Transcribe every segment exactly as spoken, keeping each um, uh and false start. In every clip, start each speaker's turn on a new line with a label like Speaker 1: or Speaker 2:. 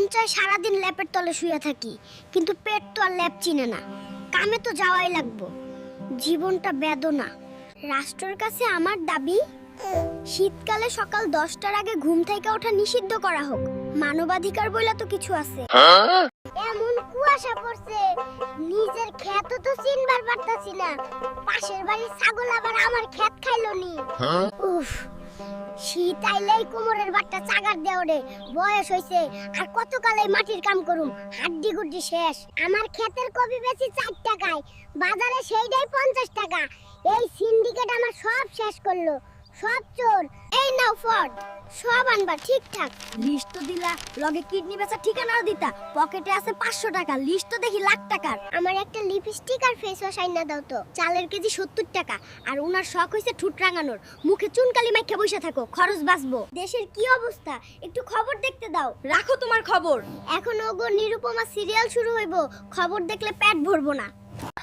Speaker 1: মন চায় সারাদিন ল্যাপের তলে শুয়ে থাকি, কিন্তু পেট তো আর ল্যাপ চিনে না। কামে তো যাওয়াই লাগবো, জীবনটা বেদনা। রাষ্ট্রের কাছে আমার দাবি, শীতকালে সকাল দশটার আগে ঘুম থেকে ওঠা নিষিদ্ধ করা হোক। মানবাধিকার বইলা তো কিছু আছে। এমন কুয়াশা পড়ছে, নিজের ক্ষেত তো চিনবার পারতাছি না। পাশের বাড়ির ছাগল আবার আমার ক্ষেত খাইলো নি। উফ, শীত আইলেই কোমরের বাট্টা চাগার দেও রে। বয়স হইছে, আর কত কালে মাটির কাম করুম, হাড্ডি গুড্ডি শেষ। আমার ক্ষেতের কপি বেশি চার টাকায়, বাজারে সেইটাই পঞ্চাশ টাকা। এই সিন্ডিকেট আমার সব শেষ করলো, সব চোর। এই নাও ফর্দ, সব আনবা ঠিকঠাক। লিস্ট তো দিলা, লগে কিডনি বেচা ঠিকানাও দিতা। পকেটে আছে পাঁচশো টাকা, লিস্ট তো দেখি লাখ টাকার। আমার একটা লিপস্টিক আর ফেস ওয়াশ আইনা দাও তো। চালের কেজি সত্তর টাকা, আর উনার শখ হইছে ঠুট রাঙানোর। মুখে চুনকালি মাইখা বসে থাকো, খরচ বাঁচবো। দেশের কি অবস্থা, একটু খবর দেখতে দাও।
Speaker 2: রাখো তোমার খবর।
Speaker 1: এখন ওগো নিরুপমা সিরিয়াল শুরু হইব, খবর দেখলে পেট ভরবো না।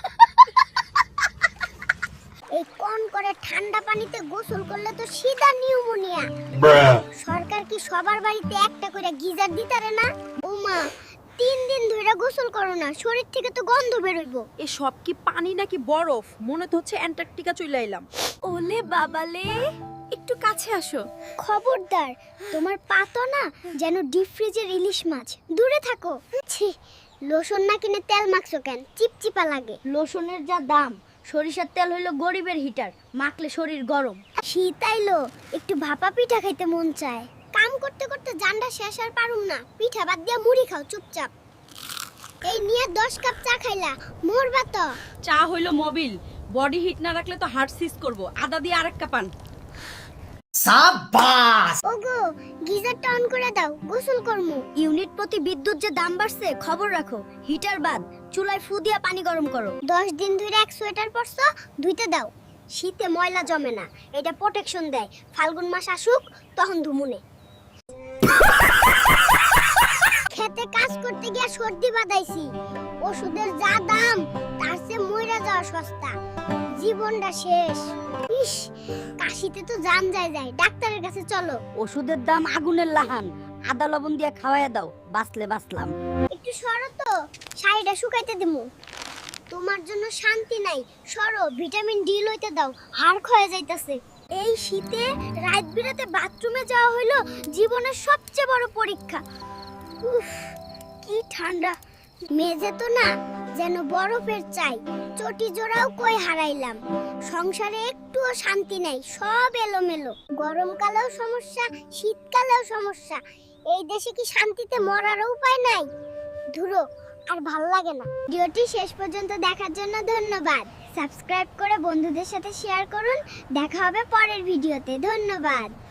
Speaker 1: এই কোন করে ঠান্ডা পানিতে গোসল করলে তো সিধা নিউমোনিয়া। সরকার কি সবার বাড়িতে একটা করে গিজার দিতারে না? ওমা, তিন দিন ধরে গোসল করো না, শরীর থেকে তো গন্ধ বেরোইবো।
Speaker 2: এ সব কি পানি নাকি বরফ? মনে তো হচ্ছে অ্যান্টার্কটিকা চলে এলাম। ওলে বাবালে, একটু কাছে আসো।
Speaker 1: খবরদার, তোমার পা তো না যেন ডিপ ফ্রিজের ইলিশ মাছ। দূরে থাকো। ছি, লোশন না কিনে তেল মাখছো কেন? চিপচিপা লাগে। লোশনের যা দাম, সরিষার তেল হইলো গরিবের হিটার, মাখলে শরীর গরম। শীত আইলো, একটু ভাপা পিঠা খাইতে মন চায়। কাম করতে করতে জান্ডা শেষ আর পারুম না, পিঠা বাদ দিয়া মুড়ি খাও চুপচাপ। এই নিয়ে দশ কাপ চা খাইলা, মরবা তো।
Speaker 2: চা হইলো মোবিল, বডি হিট না রাখলে তো হার্ট সিজ করব। আদা দিয়ে আরেক কাপ আন।
Speaker 3: সাবাস!
Speaker 1: ওগো, গিজারটা অন করে দাও, গোসল করমু। ইউনিট প্রতি বিদ্যুৎ যে দাম বাড়ছে, খবর রাখো। হিটার বাদ, চুলায় ফু দিয়া পানি গরম করো। দশ দিন ধরে এক সোয়েটার পরছো, ধুইতে দাও। শীতে ময়লা জমে না, এটা প্রোটেকশন দেয়। ফাল্গুন মাস আসুক, তখন ধুমুনে। খেতে কাজ করতে গিয়া সর্দি বাঁধাইছি। ওষুধের যা দাম, তার চেয়ে মইরা যাওয়া সস্তা। জীবনটা শেষ। ইস, কাশিতে তো জান যায় যায়। ডাক্তারের কাছে চলো।
Speaker 4: ওষুধের দাম আগুনের লাহান, আদা লবণ দিয়ে খাওয়াইয়া দাও, বাঁচলে বাঁচলাম।
Speaker 1: একটু সরো তো, শাড়িটা শুকাইতে দিমু। তোমার জন্য শান্তি নাই, সরো। ভিটামিন ডি লইতে দাও, হাড় ক্ষয়ে যাইতাছে। এই শীতে রাত বিরাতে বাথরুমে যাওয়া হইলো জীবনের সবচেয়ে বড় পরীক্ষা। উফ, কি ঠান্ডা। মেজে তো না যেন বরফের চাই। চটি জোড়াও কই হারাইলাম। সংসারে একটুও শান্তি নাই, সব এলোমেলো। গরমকালেও সমস্যা, শীতকালেও সমস্যা। এই দেশে কি শান্তিতে মরার উপায় নাই? ধুরো, আর ভাল লাগে না। ভিডিওটি শেষ পর্যন্ত দেখার জন্য ধন্যবাদ। সাবস্ক্রাইব করে বন্ধুদের সাথে শেয়ার করুন। দেখা হবে পরের ভিডিওতে। ধন্যবাদ।